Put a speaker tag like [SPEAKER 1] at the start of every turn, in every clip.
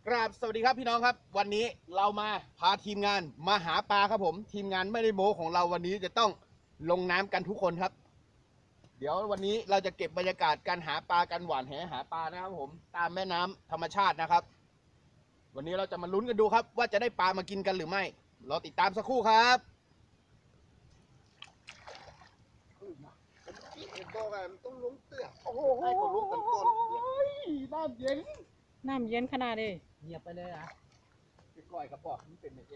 [SPEAKER 1] ครับสวัสดีครับพี่น้องครับวันนี้เรามาพาทีมงานมาหาปลาครับผมทีมงานไม่ได้โม้ของเราวันนี้จะต้องลงน้ำกันทุกคนครับเดี๋ยววันนี้เราจะเก็บบรรยากาศการหาปลากันหวานแหหาปลานะครับผมตามแม่น้ำธรรมชาตินะครับวันนี้เราจะมาลุ้นกันดูครับว่าจะได้ปลามากินกันหรือไม่รอติดตามสักครู่ครับต้องลงเตื้อโอ้โหให้เขาลุกกันก่อนน้ำเย็น
[SPEAKER 2] น้ำเย็นขนาดนี้
[SPEAKER 3] เงียบไปเลยอ่ะ
[SPEAKER 1] ก้อยกระป๋องมันเป็นอย่างนี้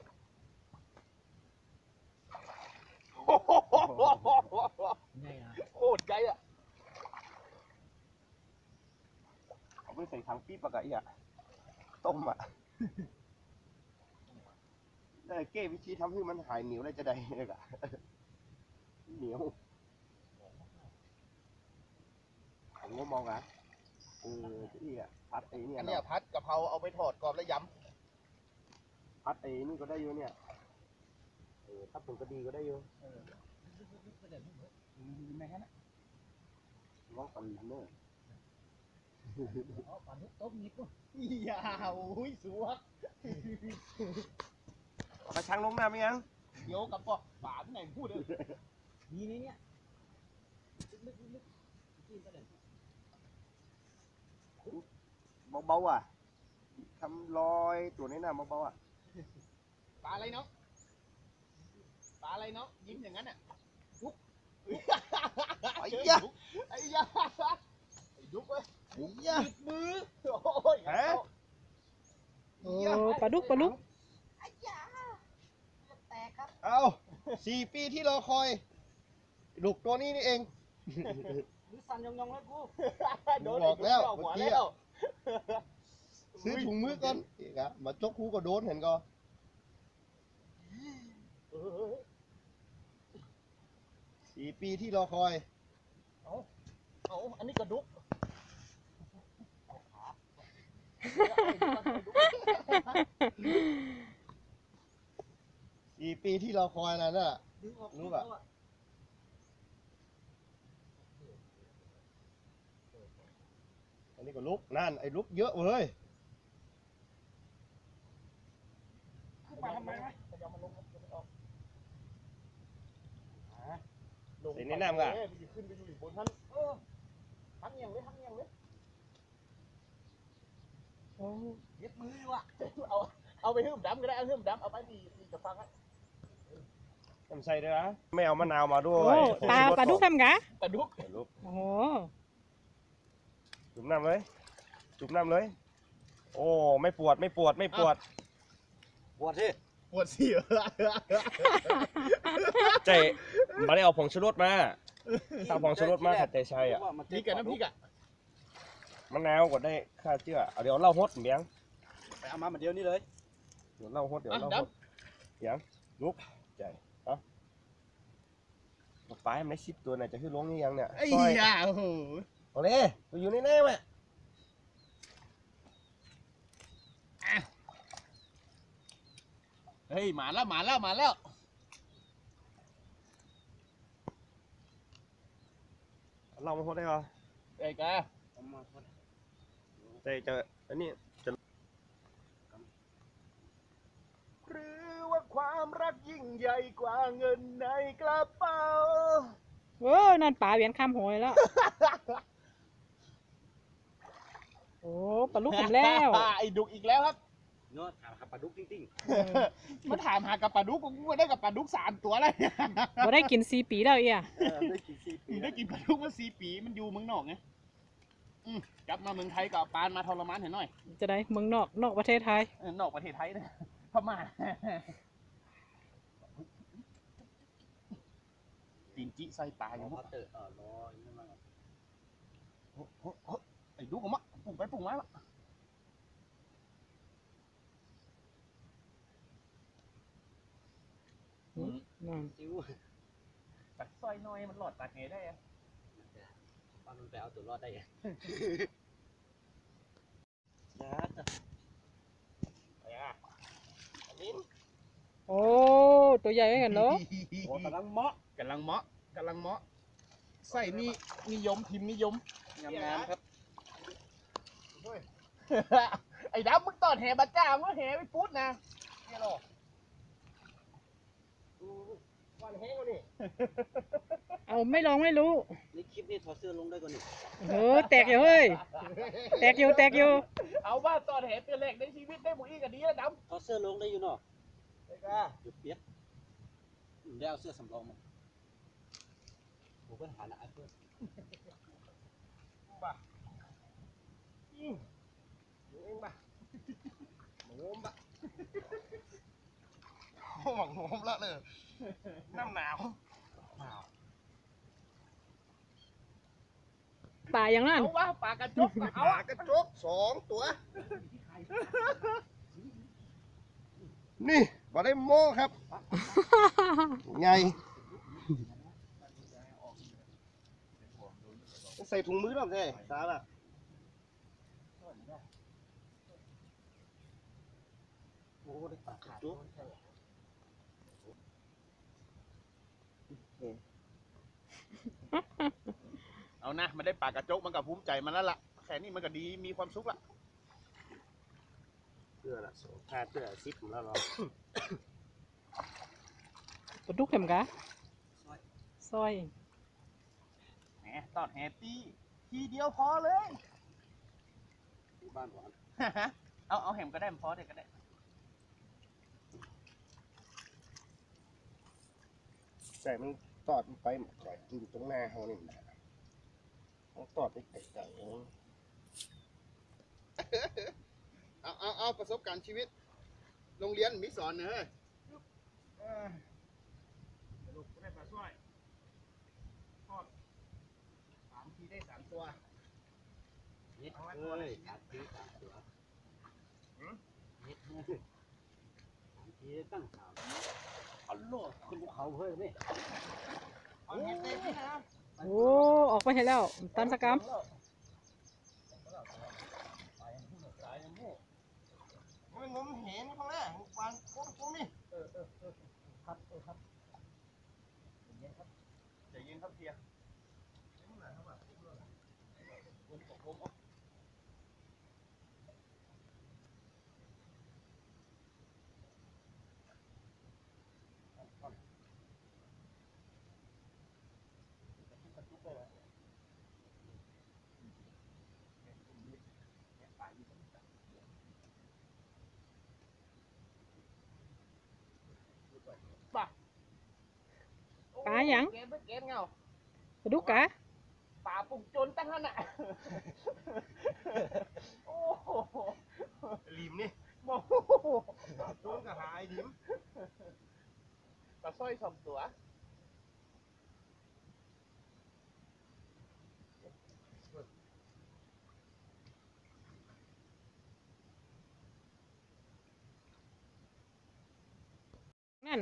[SPEAKER 3] ไงอ่ะ
[SPEAKER 1] โคตรใจอ่ะเอาไปใส่ถังปี๊บปะกะอีอ่ะต้มอ่ะได้เก้วิธีทำให้มันหายเหนียวได้จะได้เลยอ่ะเหนียวผมก็มองอ่ะที่อ่ะพัดไอ้เนี่ยอันนี้พัดกะเพราเอาไปทอดกรอบแล้วย้ำพัดไอ้นี่ก็ได้อยู่เนี่ยพัดผงกระดีก็ได้อยู่
[SPEAKER 3] ไม่แค่นั้น
[SPEAKER 1] ร้องปันเนอร์
[SPEAKER 3] ปันทุกต้มนิดปุ๊บ
[SPEAKER 1] ยาวอุ้ยสวกกระชังลงน้ำยังเดี๋ยวกับปอกฝาที่ไหนพูดเลย
[SPEAKER 3] นี่เนี่ยลึกกินไปเลย
[SPEAKER 1] เบาๆอ่ะทำรอยตัวนี้น่ะเบาๆอ่ะปลาอะไรเนาะปลาอะไรเนาะยิ้มอย่างนั้นอ่ะดุ๊กไอ้ยะไอ้ยะไอ้ดุ๊กเว้ยไอ้ยะมือโอ้ยฮะ
[SPEAKER 2] โอ้ปลาดุก
[SPEAKER 3] ไอ้ยาแตกครับ
[SPEAKER 1] เอา4 ปีที่รอคอยลูกตัวนี้นี่เอง
[SPEAKER 3] มือสั่นยองๆแล้วกู
[SPEAKER 1] บอกแล้วเมื่อกี้ซื้อถุงมือก่อนอีกอะมาจกคูก็โดนเห็นก็4 ปีที่รอคอยเอาอันนี้กระดุก4 ปีที่รอคอยนั่นน่ะรู้ป่ะอันนี้ก็ลุกนั่นไอ้ลุกเยอะเว้ย
[SPEAKER 3] มาทำไมวะ
[SPEAKER 1] ใส่ในน้ำกัน
[SPEAKER 3] ขึ้นไปอยู่บนท่านทั้งอย่างเลย
[SPEAKER 2] โอ้
[SPEAKER 3] เย็บมือว่ะ
[SPEAKER 1] เอาไปหื้มดำก็ได้เอาหื้มดำเอาไปดีจะฟังอ่ะทำใส่ด้วยนะไม่เอามะนาวมาด้วย
[SPEAKER 2] ปลาดุกทำกะ
[SPEAKER 1] ปลาดุก
[SPEAKER 2] โอ้โห
[SPEAKER 1] จุ่มน้ำเลยจุ่มน้ำเลยโอ้ไม่ปวด
[SPEAKER 3] ปวดสิ
[SPEAKER 1] ใจมาได้เอาผงชูรสมาถ้าผงชูรสมาขัดใจชัยอ่ะนี่กับน้ำพริกอ่ะมะนาวก็ได้ข้าเชื่อเดี๋ยวเล่าฮดเมียง
[SPEAKER 3] ไปเอามาเหมือนเดียวนี่เลย
[SPEAKER 1] เดี๋ยวเล่าฮดเสียงลุกใจปลาไม่10 ตัวไหนจะขึ้นลงนี่ยังเนี่ย
[SPEAKER 3] ไอ้ยาโอ้โห
[SPEAKER 1] เอาเลยกูอยู่ในแน่ไหมเฮ้ยมาแล้วเรามาพดได้เหรอไอ้แกแต่จะอันนี้จะหรือว่าความรักยิ่งใหญ่กว่าเงินในกระเป๋า
[SPEAKER 2] โอ้นั่นปลาเวียนข้ามหอยแล้วโอ้ปลาดุกผมแล้ว
[SPEAKER 1] ไอ้ดุกอีกแล้วครับ
[SPEAKER 3] เนาะถามหาปลาดุกจริง
[SPEAKER 1] ๆมาถามหากับปลาดุกกูได้กับปลาดุก3 ตัวเลย
[SPEAKER 2] บ่ได้กิน4 ปีแล้ว
[SPEAKER 1] ได้กิน4 ปีได้กินปลาดุกมา4 ปีมันอยู่เมืองนอกไงกลับมาเมืองไทยกับปานมาทรมานเห็นหน่อย
[SPEAKER 2] จะได้เมืองนอกประเทศไทย
[SPEAKER 1] นอกประเทศไทยนะพม่าตีนจิใส่ปลาอย่างพวกไอ้ดุกออกมาปุ่งไปปุ่งมา
[SPEAKER 3] ซิว
[SPEAKER 1] ตัดซอยน้อยมันหลอดตัดไงได้อะ
[SPEAKER 3] มันไปเอาตัวรอดได้ยัง
[SPEAKER 2] โอ้ตัวใหญ่กันเนาะ
[SPEAKER 1] กำลังเมาะใส่นี่นิยมพิมพ์นิยม
[SPEAKER 3] งามครับ
[SPEAKER 1] ไอ้ดำมึงตอดแหบัดจ้ามึงแหไปพุดนะเนี่ยหรอ
[SPEAKER 3] วันแห้งกว่านี่
[SPEAKER 2] เอาไม่ลองไม่รู้
[SPEAKER 3] นี่คลิปนี้ถอดเสื้อลงได้กว่านี่
[SPEAKER 2] เออแตกอยู่เฮ้ย แตกอยู่แตกอยู่
[SPEAKER 1] เอาว่าตอดแหเป็นแรกในชีวิตได้หมดอีกกันดีแล้วด
[SPEAKER 3] ถอดเสื้อลงได้อยู่เนาะ
[SPEAKER 1] ำไอ้ก้า
[SPEAKER 3] หยุดเปียกได้เอาเสื้อสำรองมาผมก็หาหน้าเพื่อน
[SPEAKER 1] ป่ะเองป่ะโงมป่ะหวังโงมละเลยน้ำหนาว
[SPEAKER 2] ป่าอย่างนั้น
[SPEAKER 1] เอาวะปลากระจกเอาปลากระจก2 ตัว นี่บ่ได้โม้ครับ ไง ใส่ถุงมือหรอใช่สาระโอ้ได้ปลากระจกเอานะมันได้ปลากระจกมันก็ภูมิใจมันแล้วล่ะแค่นี้มันก็ดีมีความสุขละ
[SPEAKER 3] เสื้อละเสื้อ10แล้วเนาะ
[SPEAKER 2] ปลาดุกเห็มกะซอย
[SPEAKER 1] แหมตอดแฮปปี้ทีเดียวพอเลย
[SPEAKER 3] บ้านหวาน
[SPEAKER 1] เอาแหมก็ได้พอเด็กก็ได้
[SPEAKER 4] ใส่มันตอดมันไปหมดเลยอยู่ตรงหน้าเขานี่นะต้องตอดไปไกลๆเอง
[SPEAKER 1] เอาประสบการณ์ชีวิต โรงเรียนมีสอนเนอะลูกได้ปลาสร้อยทอด3 ทีได้ 3 ตัว
[SPEAKER 3] นิดเอ้ย3 ที 3 ตัวนิด3 ทีตั้ง3เอาโลดขึ้นภูเขาเฮ้ยนี่
[SPEAKER 1] เอาเห็ดเต็มที่นะ
[SPEAKER 2] โอ้ออกไปเห็นแล้วตันสกรรม
[SPEAKER 1] มันงมเห็นข้างล่างวางก้มนี่ครับใจเย็นครับเทีย
[SPEAKER 2] ปลาหยัง
[SPEAKER 1] เกณฑ์ไปเกณฑ์เงา
[SPEAKER 2] ปลาดุกกะ
[SPEAKER 1] ป่าปุ่งจนตั้งนั้นอ่ะ โอ้โห
[SPEAKER 4] ลิมนี่
[SPEAKER 1] โอ้โห
[SPEAKER 4] ต้นกระหายลิม
[SPEAKER 1] ปลาสร้อย2 ตัว
[SPEAKER 2] นั่น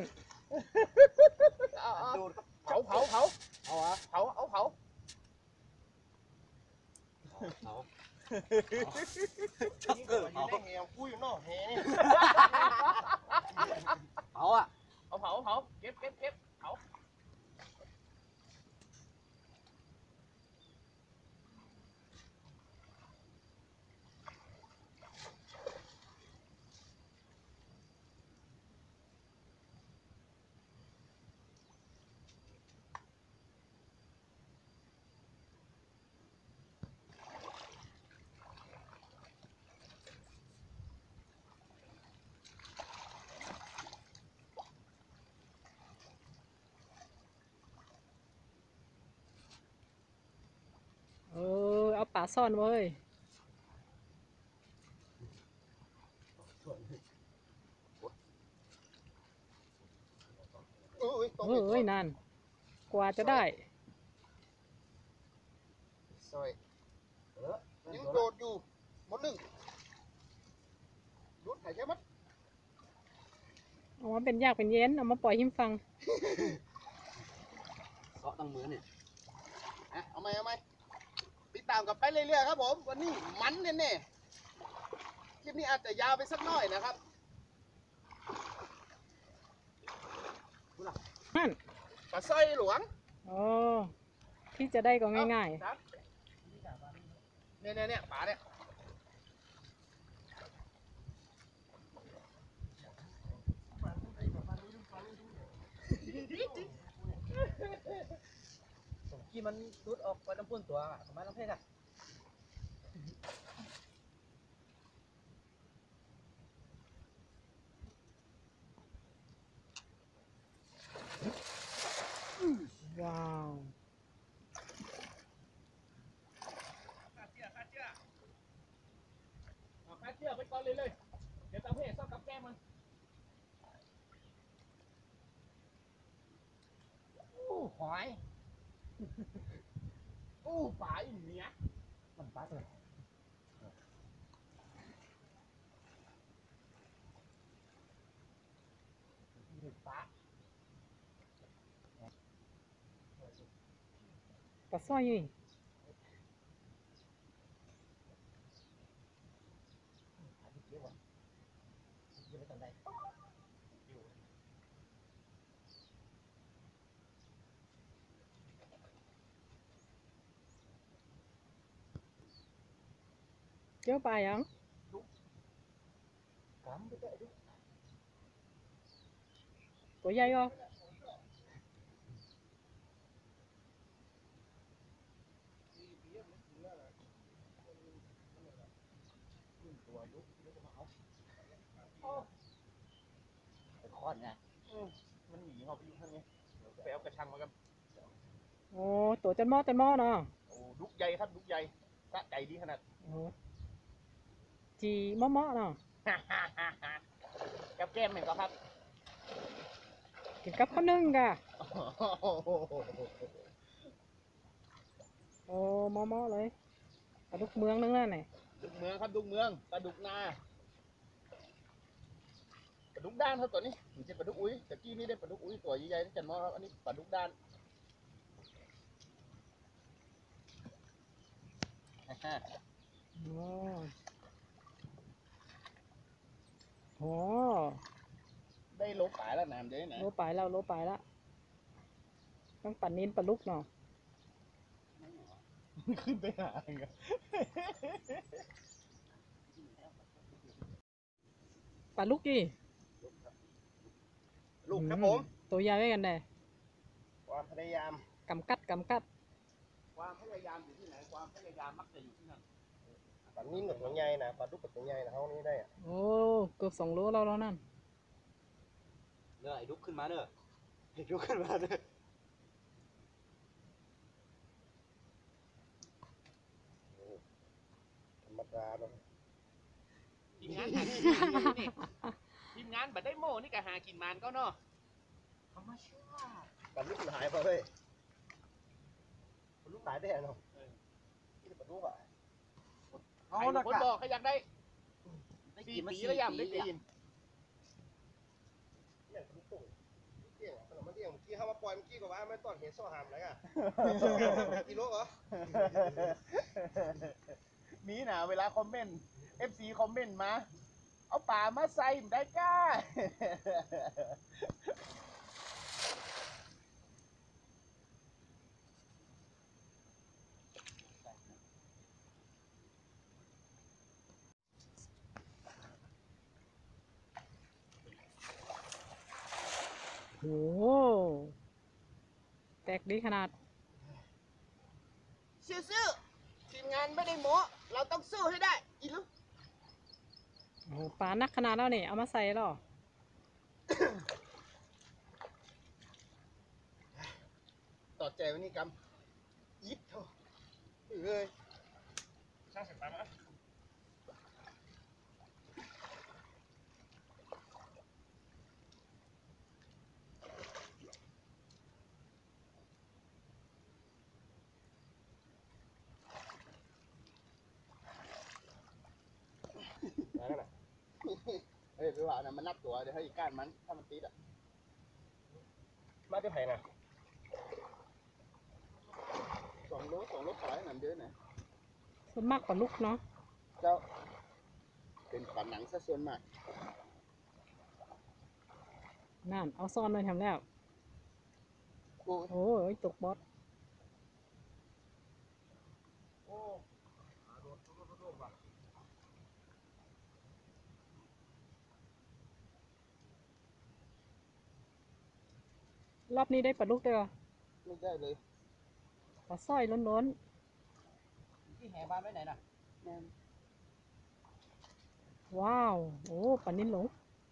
[SPEAKER 1] เผาเอาวะเอาเผา
[SPEAKER 4] ชักเกิดได้แหวคุยนอกแห
[SPEAKER 3] เอาอ่ะ
[SPEAKER 1] เอาเผาเก็บเผา
[SPEAKER 2] เอาป่าซ่อนเว้ย เฮ้ยนั่นกว่าจะได้
[SPEAKER 1] ซอยยังโดดอยู่หมด1ดูดหายใจมัด
[SPEAKER 2] เอามาเป็นยากเป็นเย็นเอามาปล่อยหิมฟัง
[SPEAKER 3] เกาะตั้งมือเนี่ย
[SPEAKER 1] เอาไหมติดตามกันไปเรื่อยๆครับผมวันนี้มันแน่ๆคลิปนี้อาจจะยาวไปสักหน่อยนะครับ
[SPEAKER 2] นั่น
[SPEAKER 1] ปลาสร้อยหลวง
[SPEAKER 2] อ๋อที่จะได้ก็ง่าย
[SPEAKER 1] ครับเนี่ยปลาเนี่ย
[SPEAKER 3] กี้มันรุดออกไปน้ำพุ่นตัวประมาณน้ำเพชรอะ
[SPEAKER 2] ว้าว
[SPEAKER 1] ขาเชือกไปก่อนเลยเดี๋ยวตาเพ่ซ่อมกับแก้มมันอู้หอยอู้ปลาอีเนี้ย
[SPEAKER 3] มันปัดเลย
[SPEAKER 1] ปลา
[SPEAKER 2] ปลาสร้อยอยู่นี่
[SPEAKER 3] อยู่ในตอนใด
[SPEAKER 2] เจ้าปลายัง
[SPEAKER 3] กำไปเตะดิ
[SPEAKER 2] ตัวใหญ่ก็
[SPEAKER 3] ไปคอนไง
[SPEAKER 1] มันหนีเขาไปอยู่ข้างนี้ไปเอากระชังมากัน
[SPEAKER 2] โอ้ตัวจันหม้อเนาะ
[SPEAKER 1] โอ้ดุกใหญ่ครับดุกใหญ่สะใจดีขนาด
[SPEAKER 2] โอ้จีหม้อเนาะ
[SPEAKER 1] กับแก้มเหมือนกันครับ
[SPEAKER 2] กินกับข้าวนึ่งกะโอ้หม้อเลยปลาดุกเมืองนึงนั่นไหน
[SPEAKER 1] ดุกเมืองครับดุกเมืองปลาดุกนาปลาดุกด้านครับตัวนี้ไม่ใช่ปลาดุกอุ้ยแต่กี้นี่ได้ปลาดุกอุ้ยตัวใหญ่ๆที่จันมอครับอันนี้ปลาดุกด้าน
[SPEAKER 2] โอ้โห
[SPEAKER 1] ได้โลป่ายแล้วน้ำเด้นะ
[SPEAKER 2] โลไปแล้วต้องปั่นนินปลาลุกเนาะ
[SPEAKER 1] ขึ้นไปหาเองอะ
[SPEAKER 2] ปลาลุกดิ
[SPEAKER 1] ลูกครับผม
[SPEAKER 2] ตัวใหญ่ไว้กันแน่
[SPEAKER 1] ความพยายาม
[SPEAKER 2] กำกัด
[SPEAKER 1] ความพยายามอยู่ที่ไหนความพยายามมักจะอยู่ที่นั่น
[SPEAKER 4] ปลานิ่มกับตัวใหญ่นะปลาดุกกับตัวใหญ่นะเขานี่ได้อะ
[SPEAKER 2] โอ้เกือบ2 โลแล้วนั่น
[SPEAKER 3] เนอะไอ้ดุกขึ้นมาเนอะไอ้ดุกขึ้นมาเนอะ
[SPEAKER 4] ธรรมดาเนาะ
[SPEAKER 1] ทีมงานหากินมันอยู่นี่ทีมงานบัดได้โม่นี่ก็หากินมันก็เนาะ
[SPEAKER 3] ธรรมชาติ
[SPEAKER 4] ปลาดุกมันหายไปเว้ยปลาดุกตายได้เนาะนี่ปลาดุกอ่ะ
[SPEAKER 1] เอาละคนบอกเขาอยากได้4 ปีแล้วยังได้กิน
[SPEAKER 4] เนี่ยปลาดุกตุ่งเกี่ยงอ่ะขนมมันเกี่ยงเมื่อกี้เขามาปล่อยเมื่อกี้ก็ว่าไม่ตอนเห็นโซ่หามอะไรอ่ะกิโลเหรอ
[SPEAKER 1] มีนะเวลาคอมเมนต์ FC คอมเมนต์มา เอาป่ามาใส่ได้ก้า
[SPEAKER 2] โอ้แตกดีขนาด
[SPEAKER 1] ซื่อๆทีมงานไม่ได้โม้เราต้องสู้ให้ได้อีลูก
[SPEAKER 2] โอ้ปลานักขนาดแล้วนี่เอามาใส่หรอ
[SPEAKER 1] ต่อใจวันนี้กำยิบเถอะเอ้ยช่างเสร็จไปมั้ยเฮ้ยพี่ว่านะมันนับตัวเดี๋ยวให้อีกก้านมันถ้ามันติดอ่ะ
[SPEAKER 4] มาได้ไผ่นะ
[SPEAKER 1] 2 โลขายหนำเดือนนะ
[SPEAKER 2] ส่วนมากปลาลุกเนาะ
[SPEAKER 1] เจ้าเป็นปลาหนังซะส่วนมาก
[SPEAKER 2] นั่นเอาซ่อนไว้ทำแล้ว
[SPEAKER 1] โอ้
[SPEAKER 2] โอ้ยตกบอส
[SPEAKER 1] โอ้
[SPEAKER 2] รอบนี้ได้ปลาดุกด้วยเหรอ
[SPEAKER 1] ไม่ได้เลย
[SPEAKER 2] ปลาสร้อยล้น
[SPEAKER 3] ที่แห่บ้านไว้ไหนน่ะ
[SPEAKER 2] ๆว้าวโอ้ปลานิ่นหลง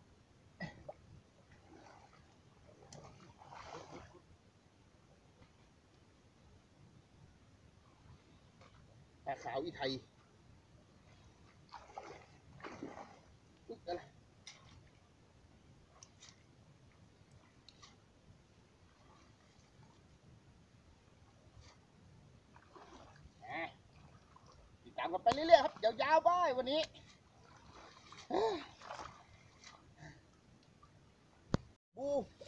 [SPEAKER 1] ปลาขาวอีไทยอุ๊ยอะไรติดตามกันไปเรื่อยๆครับยาวๆไปวันนี้บู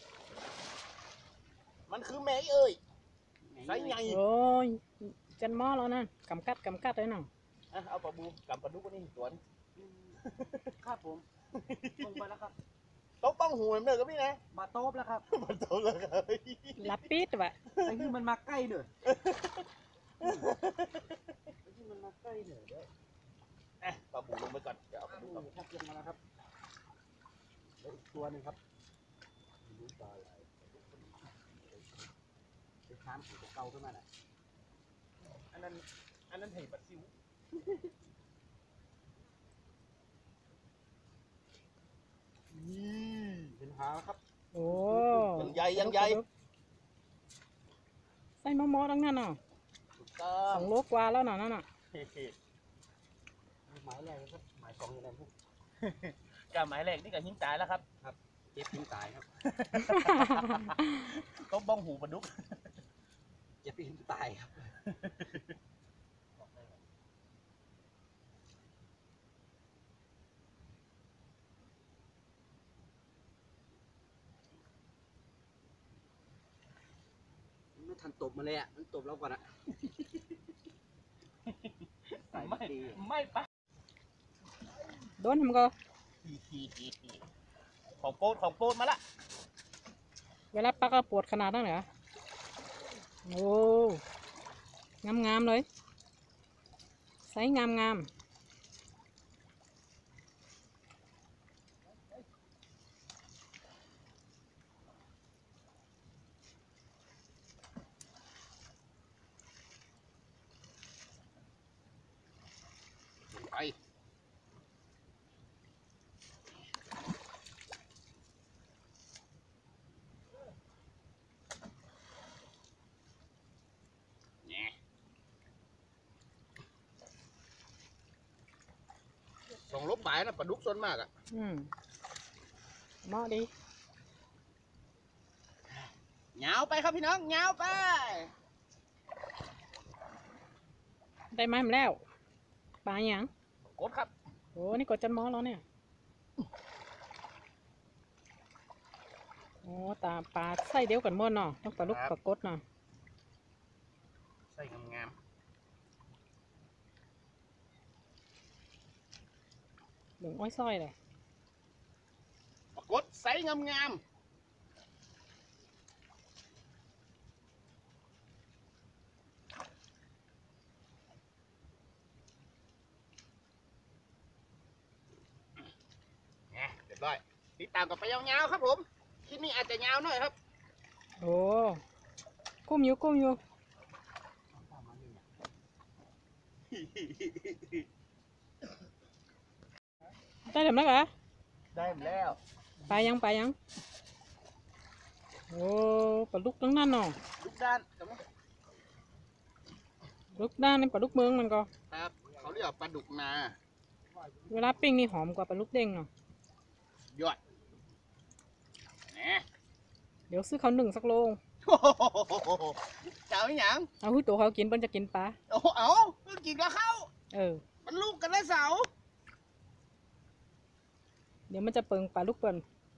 [SPEAKER 1] มันคือแม่เอ้ยไซส์ใหญ่
[SPEAKER 2] โอ้ยจันหม้อแล้วนั่นกำกัดเลยน่ะ
[SPEAKER 1] อ่ะเอาปลาบูกับปลาดุกนี่สวน
[SPEAKER 3] ครับผมลงไปแล้วครับ
[SPEAKER 1] โต๊ะป้องหูเหมือนเดิมกับพี่นะ
[SPEAKER 3] มาโต๊บแล้วครับ
[SPEAKER 1] มันโต๊ะเลยครับ
[SPEAKER 2] ลับปิดวะ
[SPEAKER 3] ไอ้ที่มันมาใกล้เด้อไอ้ที่มันมาใกล้เด้อเดี๋ยว
[SPEAKER 1] อ่ะปลาบูลงไปก่อนเดี๋ยวเอาปลาดุก
[SPEAKER 3] นี่ครับลงมาแล้วครับแล้วอีกตัวหนึงครับไม่รู้ปลาอะไรไปค้ามสีเก่าขึ้นมาน่ะ
[SPEAKER 1] อันนั้นเห็ดปลาซิวนี่
[SPEAKER 3] เป็นหาแล้วครับ
[SPEAKER 2] โอ้
[SPEAKER 1] ยังใหญ่ยังใหญ่
[SPEAKER 2] ใส่หม้อทั้งนั้นน่ะ
[SPEAKER 1] ถูกต้อ
[SPEAKER 2] ส
[SPEAKER 1] ง
[SPEAKER 2] องโลกว่าแล้วน่ะนั่นน่ะ
[SPEAKER 3] หมายแรกนะครับหมายสองอยู่ไหนพวก
[SPEAKER 1] กับหมายแรกนี่กับหิ้งตายแล้วครับ
[SPEAKER 3] เจ็บทิ้งตายครับ
[SPEAKER 1] โต๊ะบ้องหูปลาดุก
[SPEAKER 3] เจ็บทิ้งตายครับไม่ทันตบมาเลยอ่ะมันตบเราก่อนอ่ะใส่
[SPEAKER 1] ไม่
[SPEAKER 3] ดี
[SPEAKER 1] ไม่ปะ
[SPEAKER 2] โดนทำก็
[SPEAKER 1] ของโปรดมาละ
[SPEAKER 2] เวลาปักก็ปวดขนาดนั้นเหรอโอ้งามๆเลยใส่งาม
[SPEAKER 1] ไปเนี่ยส่งลบหมายนะปลาดุกส่วนมากอ่ะ
[SPEAKER 2] เหมาะดี
[SPEAKER 1] เหงาไปครับพี่น้องเหงาไป
[SPEAKER 2] ได้ไหมมันแล้วปลาอย่าง
[SPEAKER 1] กดครับ
[SPEAKER 2] โอ้นี่กดจันหม้อแล้วเนี่ยโอ้ตาปลาใส่เดียวกันหมดเนาะต้องปลาลูกปลากดเนาะ
[SPEAKER 1] ใส่งาม
[SPEAKER 2] เหลืองอ้อยส้อยเลย
[SPEAKER 1] ๆปรากฏใส่งามๆเนี่ยเรียบร้อยติดตามกับไปยาวๆครับผมคลิปนี้อาจจะยาวหน่อยครับ
[SPEAKER 2] โอ้กุ้มอยู่ได้เดี๋ยวนะกะ
[SPEAKER 1] ได้แล้ว
[SPEAKER 2] ไปยังโอ้ปลาลูกทั้งนั้นเนาะ
[SPEAKER 1] ทุกด้านครับ
[SPEAKER 2] ลูกด้านนี่ปลาลูกเมืองมันก็
[SPEAKER 1] ครับเขาเรียกว่าปลาดุกนา
[SPEAKER 2] เวลาปิ้งนี่หอมกว่าปลาลูกเด้งเนาะ
[SPEAKER 1] ยอดแหนะ
[SPEAKER 2] เดี๋ยวซื้อเขาวหนึ่งสักโล
[SPEAKER 1] โอ้โหเจ้าอีหยัง
[SPEAKER 2] เอาหุ้ยตัวเขากินเปิ้นจะกินปลา
[SPEAKER 1] โอ้โหเอาเพิ่งกินกับข้าว
[SPEAKER 2] เออ
[SPEAKER 1] มันลูกกันได้เสา
[SPEAKER 2] เดี๋ยวมันจะเปิงปลาลูกเปิ้น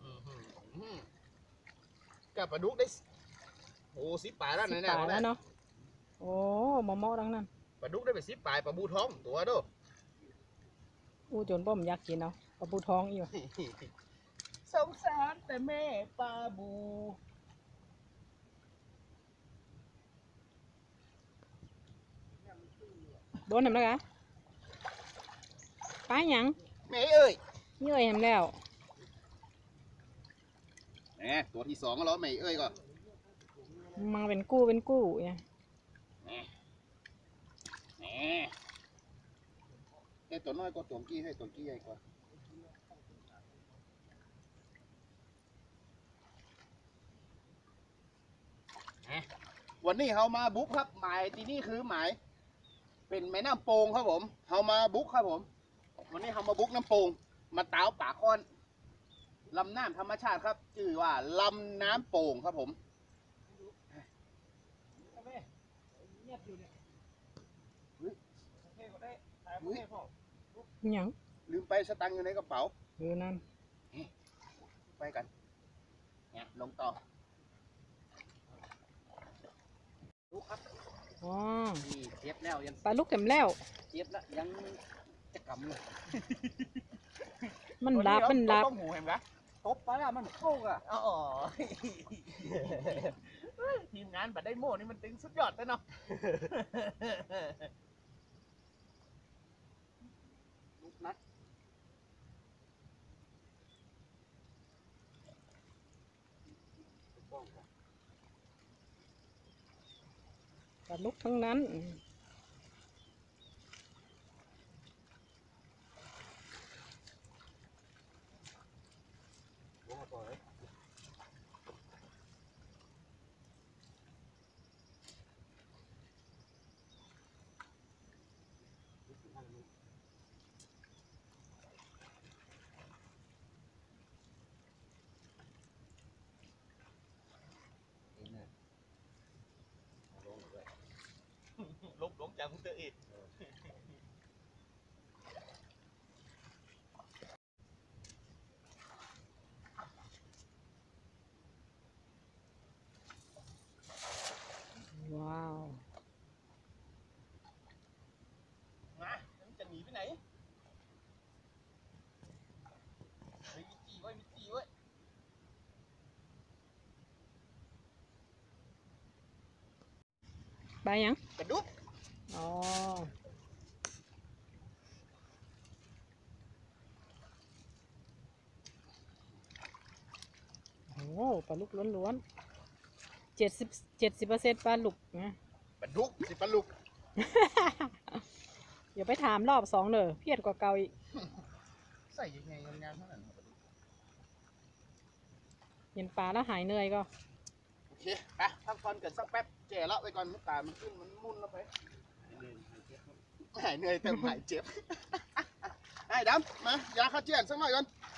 [SPEAKER 1] กับปลาดุกได้โอ้10 ปลายแล้ว
[SPEAKER 2] สิ
[SPEAKER 1] เนี่ย
[SPEAKER 2] ปลาแล้วเนาะโอ้หม้อทั้งนั้น
[SPEAKER 1] ปลาดุกได้ไป10 ปลายปลาบูท้องตัวเด้อ
[SPEAKER 2] อู้จนบ่มอยากกินเอาปลาบูทองอีกว่ะ
[SPEAKER 1] สงสารแต่แม่ปลาบู
[SPEAKER 2] โดนทำแล้วกะปลาหยัง
[SPEAKER 1] แม่เอ้ย
[SPEAKER 2] เยื่อยทำแล้ว
[SPEAKER 1] แหมตัวที่2ก็แล้วแม่เอ้ยก็
[SPEAKER 2] มาเป็นกู้เนี่ย
[SPEAKER 1] ไอ้ตัวน้อยก็ตัวกี้ให้ตัวกี้ใหญ่กว่าวันนี้เขามาบุ๊กครับหมายที่นี่คือหมายเป็นแม่น้ำโป่งครับผมเขามาบุ๊กครับผมวันนี้เขามาบุ๊กน้ำโป่งมาเต้าป่าค้อนลำน้ำธรรมชาติครับชื่อว่าลำน้ำโป่งครับผมอุ๊ย
[SPEAKER 2] หยัง
[SPEAKER 1] ลืมไปสตังค์อยู่ในกระเป๋า
[SPEAKER 2] นั่น
[SPEAKER 1] ไปกันเนี่ยลงต่อลูกครับ
[SPEAKER 2] อ๋อ
[SPEAKER 3] นี่เจ็บแล้วยัง
[SPEAKER 2] ปลาลูกเข็มแล้ว
[SPEAKER 3] เจ็บแล้วยังจะกำเลย
[SPEAKER 2] มันลับมันลับ
[SPEAKER 1] ต้องหูเห็นไหม
[SPEAKER 3] ตบไปแล้วมันเข้าอ่ะ
[SPEAKER 1] อ๋อทีมงานบัดได้โม่นี่มันตึงสุดยอดเลยเนาะลูกนัด
[SPEAKER 2] ปลาลูกทั้งนั้น
[SPEAKER 1] ลงจากคุณเตอร์อีก
[SPEAKER 2] ว้าว
[SPEAKER 1] มาแล้วมันจะหนีไปไหนเฮ้ยมีจีไว้มีจีไว้
[SPEAKER 2] ปลาหยัง
[SPEAKER 1] กระดุก
[SPEAKER 2] อ๋อ โอ้ปลาลูกล้วนๆ70%ปลาลูกนะ
[SPEAKER 1] กระดุกสิปลาลุก
[SPEAKER 2] อย่าไปถามรอบ2เด้อเพี้ยนกว่าเก่าอีก
[SPEAKER 1] ใส่ยังไงงามๆเท่านั้น
[SPEAKER 2] เห็นปลาแล้วหายเหนื่อยก็
[SPEAKER 1] โอเคไปพักผ่อนกันสักแป๊บแก่ละไปก่อนมันตามันขึ้นมันมุ่นแล้วไปหายเหนื่อยแต่หายเจ็บ ไอ้ดำมายาฆ่าเชื้อสักหน่อยก่อน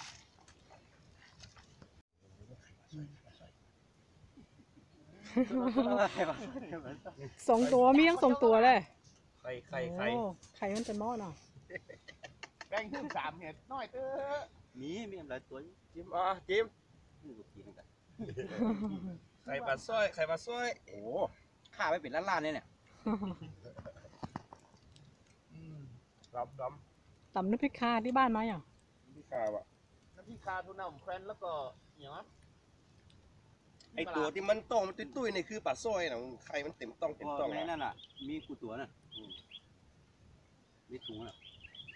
[SPEAKER 2] 2 ตัวมีทั้ง2 ตัวเลย
[SPEAKER 4] ไข่
[SPEAKER 2] โอ้ไข่มันเป็นหม้อเนาะ
[SPEAKER 1] แบ่งขึ้น3เห็ดน้อยเต้อ
[SPEAKER 3] มีอะไรตัว
[SPEAKER 4] จิ้มจิ้ม
[SPEAKER 3] นี่กูกินกัน
[SPEAKER 4] ไข่ปลาสร้อยโอ้
[SPEAKER 3] ข้าไปเป็นล้านๆเลยเนี่ย
[SPEAKER 4] ดำ
[SPEAKER 2] ตำน้ำพริกคาที่บ้านไหมอ่ะ
[SPEAKER 4] พี่ข้าวอ่ะ
[SPEAKER 1] น้ำพริกคาทูน่าแควนแล้วก็อย่างนั้น
[SPEAKER 4] ไอตัวที่มันต้องมันตุ้ยๆนี่คือปลาสร้อยนะไข่มันเต็มต้องเต็มต้อง
[SPEAKER 3] ในนั่นน่ะมีกูตัวน่ะมีถุงน่ะ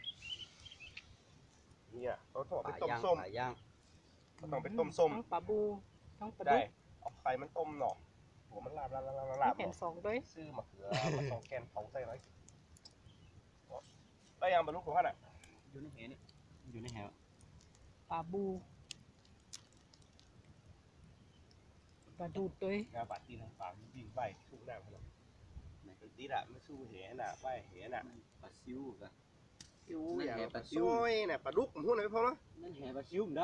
[SPEAKER 4] เนี่ยเขาต้อง
[SPEAKER 3] ป
[SPEAKER 4] ไป
[SPEAKER 3] ลา
[SPEAKER 4] ต้ม
[SPEAKER 3] ย่าง
[SPEAKER 4] ส้ม
[SPEAKER 3] ปลาย่าง
[SPEAKER 4] เขาต้องไปต้มส้ม
[SPEAKER 2] ทั้งปลาบูทั้งปลา
[SPEAKER 4] ได้
[SPEAKER 2] ดุก
[SPEAKER 4] เอาไข่มันต้มหน่อหัวมันลาบ
[SPEAKER 2] มีแผ่น2ด้วย
[SPEAKER 4] ซื้อมะเขือมาสองแกนเผาใส่ไว้ได้ยังบรรลุของท่านอ่ะ
[SPEAKER 3] อยู่ในแหนี่อยู่ในแห
[SPEAKER 2] ปลาบูปลาดูดด้วย
[SPEAKER 4] งานปาตีนปากวิ่งไปสู้หน้าพนันไอ้ตีละไม่สู้แหน่ะไปแหน่ะ
[SPEAKER 3] ปลาซิวกัน
[SPEAKER 4] ซิวอย่างปลาซ้อยน่ะปลาดุกผมพูดหน่อยพอแล้ว
[SPEAKER 3] นั่นแหปลาซิวมันได้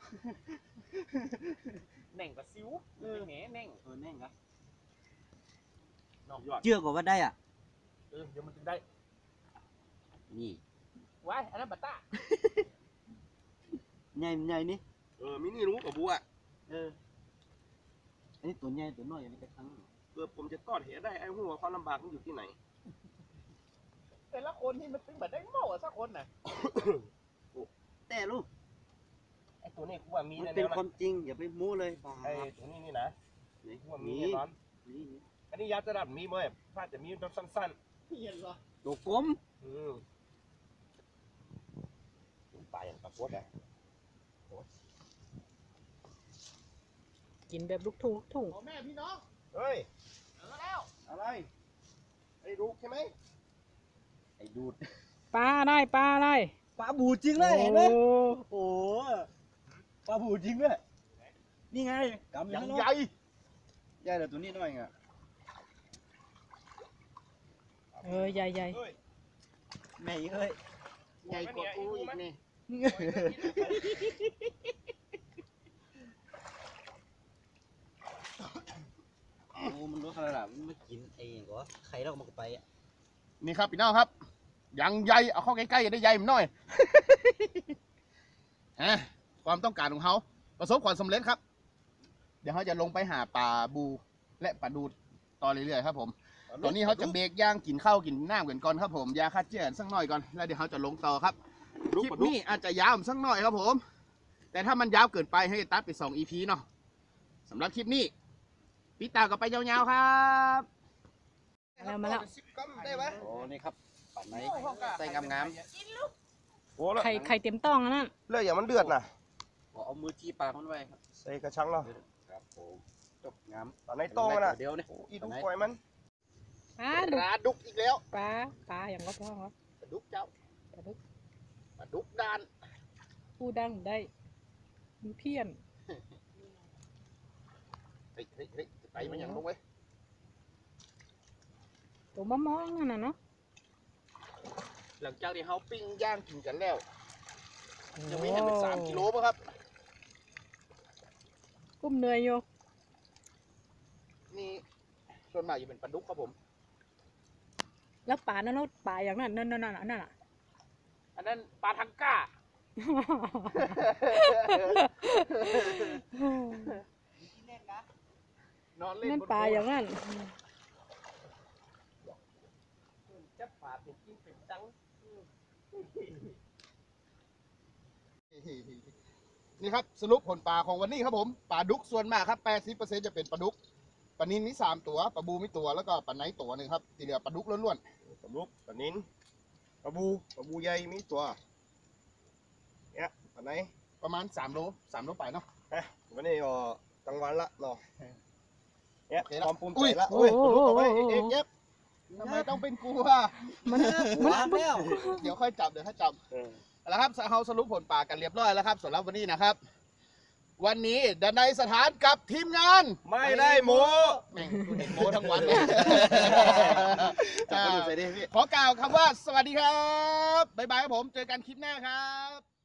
[SPEAKER 1] แหน่งกับซิวแหน่แหน่ง
[SPEAKER 3] แน่งครับ
[SPEAKER 4] ยอด
[SPEAKER 3] เชื่อก็ว่าได้อ่ะ
[SPEAKER 1] เดี๋ยวมันถึงได้
[SPEAKER 3] นี่
[SPEAKER 1] ไว้อันนั้นบัตต้า
[SPEAKER 3] ใหญ่นี่
[SPEAKER 4] มินี่รู้กับบัว
[SPEAKER 3] อันนี้ตัวใหญ่ตัวน้อยอันนี้กระชัง
[SPEAKER 4] ผมจะตอดเหได้ไอ้หัวความลำบากมันอยู่ที่ไหน
[SPEAKER 1] แต่ละคนที่มันตึงแบบได้โม่สักคนน่ะ
[SPEAKER 3] แต่ลูก
[SPEAKER 4] ไอ้ตัวนี้กูว่ามี
[SPEAKER 3] มัน
[SPEAKER 4] แน่
[SPEAKER 3] เป็น
[SPEAKER 4] ๆ
[SPEAKER 3] ความจริงอย่าไปโม้เลยบ้า
[SPEAKER 4] ไอ้ตัวนี้นี่นะกูว่ามีแน่นอน
[SPEAKER 3] นี่
[SPEAKER 4] อันนี้ยัดจะดับมีเมื่อพลาดจะมีแบบสั้น
[SPEAKER 1] เห็นเหรอ
[SPEAKER 3] ตัวกลม
[SPEAKER 4] ปลาอย่างปลาโคตรนะ
[SPEAKER 2] กินแบบลูกทุ่ง
[SPEAKER 1] พ่อแม่พี่น้อง
[SPEAKER 4] เฮ้ย
[SPEAKER 1] แล้ว
[SPEAKER 4] อะไรไอ้ลูกใช่ไหม
[SPEAKER 3] ไอ้ดูด
[SPEAKER 2] ปลาอะไรปลาอะไร
[SPEAKER 3] ปลาบูจริงเลยเห็นไหม
[SPEAKER 2] โอ้
[SPEAKER 3] โอ้โหปลาบูจริงด้วยนี่ไงกำ
[SPEAKER 1] ยัง
[SPEAKER 3] เนาะ
[SPEAKER 1] ใหญ่
[SPEAKER 3] ใหญ่แต่ตัวนี้น้อยไง
[SPEAKER 2] ใหญ่ใหญ่
[SPEAKER 3] แม่เอ้ย
[SPEAKER 1] ใหญ่กว่ากูอีกนี่
[SPEAKER 3] โอ้มันรู้ขนาดมันไม่กินเองก็ใครเรามันก็ไปอ่ะ
[SPEAKER 1] นี่ครับพี่น้องครับยังใหญ่เอาเข้าใกล้ๆได้ใหญ่มันหน่อย ฮะความต้องการของเขาประสบความสำเร็จครับ เดี๋ยวเขาจะลงไปหาปลาบูและปลาดูดต่อเรื่อยๆครับผมตอนนี้เขาจะเบรกย่างกินข้าวกินน้ำกันก่อนครับผมยาฆ่าเชื้อสักหน่อยก่อนแล้วเดี๋ยวเขาจะลงต่อครับคลิปนี้อาจจะยาวสักหน่อยครับผม แต่ถ้ามันยาวเกินไปให้ตัดไป2 EP เนาะสำหรับคลิปนี้พี่ตาก็ไปยาวๆครับ
[SPEAKER 2] มาแล้ว
[SPEAKER 1] ได้ไหม
[SPEAKER 3] โอ้นี่ครับปัดไหนใส่งาม
[SPEAKER 4] โอ้แล้ว
[SPEAKER 2] ไข่เต็มต้องอันนั้น
[SPEAKER 4] เลือดอย่างมันเดือดนะ
[SPEAKER 3] ๆเอามือจี้ปากมันไว้ครับ
[SPEAKER 4] ใส่กระชังเนาะ
[SPEAKER 3] ครับผมจบงาม
[SPEAKER 4] ตอนในโต้งมันน่ะ
[SPEAKER 3] เดี๋ยวนี่
[SPEAKER 4] โอ้อีดูปล่อยมัน
[SPEAKER 2] ปลาดุก
[SPEAKER 1] ปลาดุกอีกแล้ว
[SPEAKER 2] ปลาอย่างก็ท้องครับ
[SPEAKER 1] ปลาดุกเจ้า
[SPEAKER 2] ปลาดุก
[SPEAKER 1] ปลาดุกดาน
[SPEAKER 2] ผู้ดังได้มีเพี้ยน
[SPEAKER 1] เฮ้ยไปมันอย่างลงไว้
[SPEAKER 2] ตัวมะม่วงนั่นน่ะเนาะ
[SPEAKER 1] หลังจากที่เขาปิ้งย่างกินกันแล้วยังไม่เห็นเป็น3 กิโลป่ะครับ
[SPEAKER 2] กุ้มเหนื่อยอยู่
[SPEAKER 1] นี่ส่วนมากจะเป็นปลาดุกครับผม
[SPEAKER 2] แล้วปลานั่นเนาะปลาอย่างนั้นนั่นน่ะ
[SPEAKER 1] อันนั้นปลาทังก้า นอนเล่น
[SPEAKER 2] นั่น
[SPEAKER 1] บน
[SPEAKER 2] ปลาอย่างนั้น
[SPEAKER 1] จับปลาเป็นกิ้งเป็นตังนี่ครับสรุปผลปลาของวันนี้ครับผมปลาดุกส่วนมากครับ 80% จะเป็นปลาดุกปลานิลมี3 ตัวปลาบูมีตัวแล้วก็ปลาไนท์ตัวหนึงครับที่เหลือปลาดุกล้วน
[SPEAKER 4] ปลาลูกปลานิ้นปลาบูใหญ่มีตัวเนี่ยปลาไหน
[SPEAKER 1] ๆประมาณ3 โลไปเนาะ
[SPEAKER 4] วันนี้ก็กลางวันละเนาะเนี่ย
[SPEAKER 1] โอเคละ
[SPEAKER 4] ความภูมิ
[SPEAKER 1] อุ้
[SPEAKER 4] ใจ
[SPEAKER 1] ย
[SPEAKER 4] ละโอ้ยปลาลูกเอาไว้เอกเย็บ
[SPEAKER 1] ทำไมต้องเป็นกูอ่ะ
[SPEAKER 2] มัน
[SPEAKER 3] วางแล้ว
[SPEAKER 1] เดี๋ยวค่อยจับแล้วครับเราสรุปผลปลากันเรียบร้อยแล้วครับสำหรับวันนี้นะครับ วันนี้ดนัยสถานกับทีมงาน
[SPEAKER 4] ไม่ได้โม
[SPEAKER 1] แม่งกูเห็นโม้ทั้งวันเลย
[SPEAKER 4] จับปลาดุกใส่ดิพี่
[SPEAKER 1] ขอกล่าวคำว่าสวัสดีครับบ๊ายบายครับผมเจอกันคลิปหน้าครับ